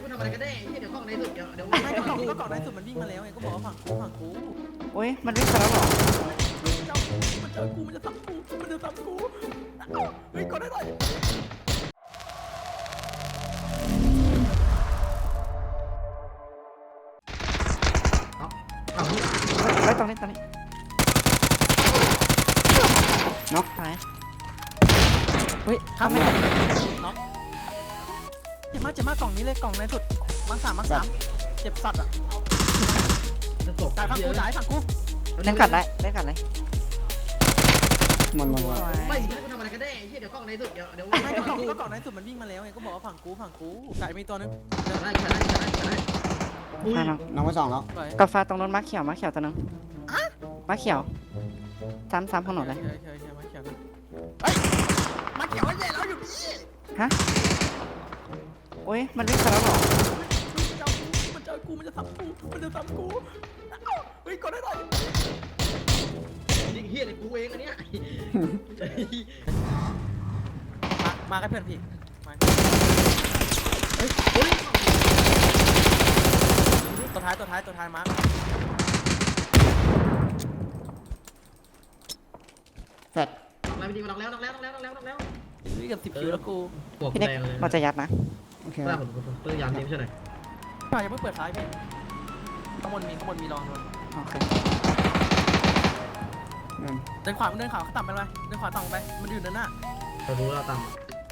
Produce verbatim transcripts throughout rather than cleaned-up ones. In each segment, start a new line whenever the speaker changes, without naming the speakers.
ทำอะไรกันแน่เดี๋ยวกล้องในสุดเดี๋ยวเดี๋ยว
ไม่ก็กล่องก็กล่องในสุดมันวิ่งมาแล้วไงก็บอกว่าฝั่งกูฝั่งกู
โอ้ยมันวิ่งไปแล้วเหรอ
เจ้ามันเจอกูมันจะทำกูมันจะทำกูเฮ้ยกดได้หน่อย
เฮ้ยตรงนี้ตรงนี้น็อกตายเฮ้ย
ครั
ทำ
บ
ไม่
ไม่
ได้
น็อกเจ็บมากเจ็บมากกล่องนี้เลยกล่องในสุดมังสามมังสามเจ็บสัตว์อ่ะ
จะตก
จ่ายฝั่งกูจ่ายฝั่งกู
เล่นกัดได้เล่นกัดเลย
มันมัน
สวย
ไม่กูทำอะไรกันแน่เดี๋ยวกล้องในสุดเดี๋ยวเดี๋ยว
ไม่ก็กล่องก็กล่องในสุดมันวิ่งมาแล้วไงก็บอกว่าฝั่งกูฝั่งกูจ่ายมีตัวนึง
ได้ได้ได้ได้อุ้ย
มาน้อง
น้องไปสองแล้ว
ไป
กาแฟตรงนู้นม้าเขียวม้าเขียวตัวนึงม้าเขียวซ้ำซ้ำของหนูเลย
เขียวเขียวเขียวมาเขียวนะเฮ้ยมาเขียวใหญ่แล้วอยู่นี่
ฮะโอ้ยมันวิ่งไปแล้วเหรอ
เจ้ามันเจอกูมันจะทำกูมันจะทำกูเฮ้ยกดได้หน่อย
นี่เฮียเลยกูเองอันเนี้ย
มามากับเพื่อนพี่มา
เฮ้ยเฮ้ย
ตัวท้ายตัวท้ายตัวท้ายมาร์ค
แฟด
มาจริงมาลองแล้วลองแล้วลองแล้วลองแล้วลองแล้ว
วิ่งกับสิบคิวแล้วกู
หัว
พี่
แด
เน็ก
งเลย
เราจะยัดนะ
โอเค
ป้าผมผมปืนยามนี้ไม่ใช่ไหน
ป่ายังไม่เปิดท้ายพี่ข้างบนมีข้างบนมีรองโดน
โอเค
นั่น
เดินขวามันเดินขวาเขาต่ำไปเลยเดินขวาต่ำไปมันอยู่เดินหน้า
เรารู้เราตาม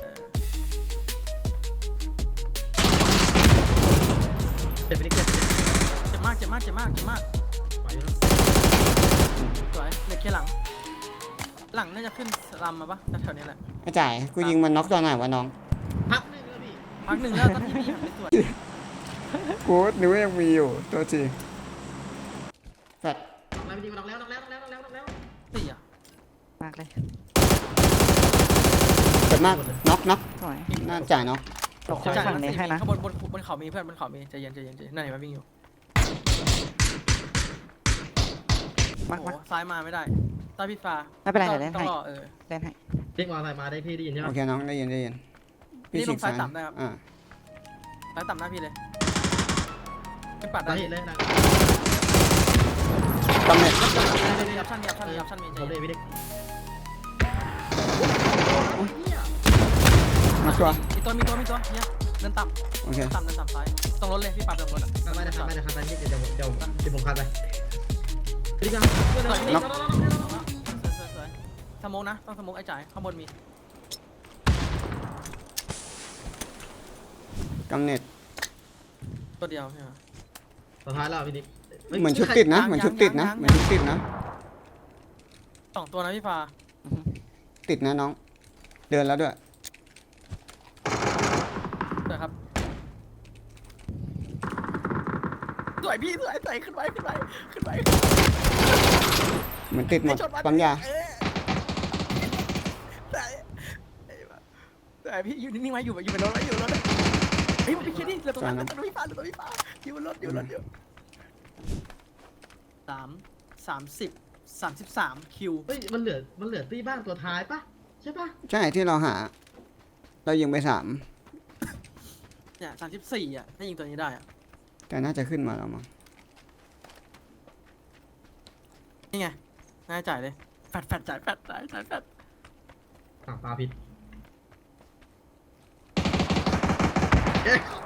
เจ็บไปนิดเจ็บ
เจ็บมากเจ็บมากเจ็บมากเจ็บมาก
ไปแล้ว
สวยเหล็กเคหลัง หลังน่าจะขึ้นลำมาปะแถวๆนี้แหละ
ไอ้จ่ายกูยิงมันน็อกตัวไหนวะน้อง
พักนึงแล้วพี่
พักหนึ่งแล้วตอนที่พี่หันไปตรวจ
กูนึกว่ายังมีอยู่ตัวจริงแฟด
มาจริงมาลองแล้วลองแล้วลองแล้วลองแล้วลองแล้ว
สี่อ่ะ
มากเลย
เกิดมากน็อกน็อก
สวย
น่าจ่ายน็อก
ตกฝั่งนี้ให้นะ
ข้างบนบนบนเขามีเพื่อนบนเขามีใจเย็นใจเย็นใจเย็นนั่นเห็นไหมวิ่งอยู่
มาก
โอ้
มาก
โหซ้ายมาไม่ได้ใต้พี่ฟ้า
ไม่เป็นไร
ต้อง
เดี๋ยวเล่น
ต้อ
ให้
งรอเออ
เล่นให้
เรียกมาใส่มาได้พี่ได้ยินใช่ไหม
โอเคน้องได้ยินได้ยิน
นี่ลงซ้าย
ฉีก
ต่ำได้ครับ
อ่า
ซ้ายต่ำหน้าพี่เลยขึ้นปัด
ได้
ได้
เห็นเลยนะ
ตำแหน่ง
มีออปชั่นมีออปชั่นมีออปชั่นมีใจ
เรา
เย็
เล่
น
นพี่เด็ก
มาชัวร์
มีตัวมีตัวมีตัวเนี่ยเดินต่
โอเค
ำต่ำเดินต่ำซ้ายตรงรถเลยพี่ปัดตรงรถอ่ะ
ไม่ได้ครับไม่ได้ครับไม่ได้เดี๋ยวเดี๋ยวเดี๋ยวผมคัดไปพี่กัน
สวยสวยสวยสโมกนะต้องสโมกไอ้จ่ายข้างบนมี
กำเนิด
ตัวเดียวใช่ไหม
สุดท้ายแล้วพี่ดิ๊ก
เหมือนชุดติดนะเหมือนชุดติดนะเหมือนชุดติดนะ
สองตัวนะพี่ฟ้า
อือฮึ
ติดนะน้อง เดินแล้วด้วย
สวยครับสวยพี่สวยสวยขึ้นไว้ขึ้นไว้ขึ้นไว้
เหมือนติดหมดปั๊มยา
เออแต่แต่พี่อยู่นิ่งๆไว้อยู่อยู่บนรถไว้อยู่บนรถเฮ้ยมันไปเคลียร์นี่เหลือตรงนั้นเหลือตัวพี่ฟ้าเหลือตัวพี่ฟ้าอยู่บนรถอยู่บนรถอยู่สามสามสิบสามสิบสามคิว
เฮ้ยมันเหลือมันเหลือตีบ้านตัวท้ายปะใช่ปะ
ใช่ที่เราหา เรายิงไปสาม
เนี่ยสามสิบสี่อ่ะถ้ายิงตัวนี้ได้อ่ะ
แต่น่าจะขึ้นมาแล้วมั้ง
นี่ไงน่าจ่ายเลยแฟดแฟดจ่ายแฟดจ่ายจ่ายแฟด
อ่าปลาผิด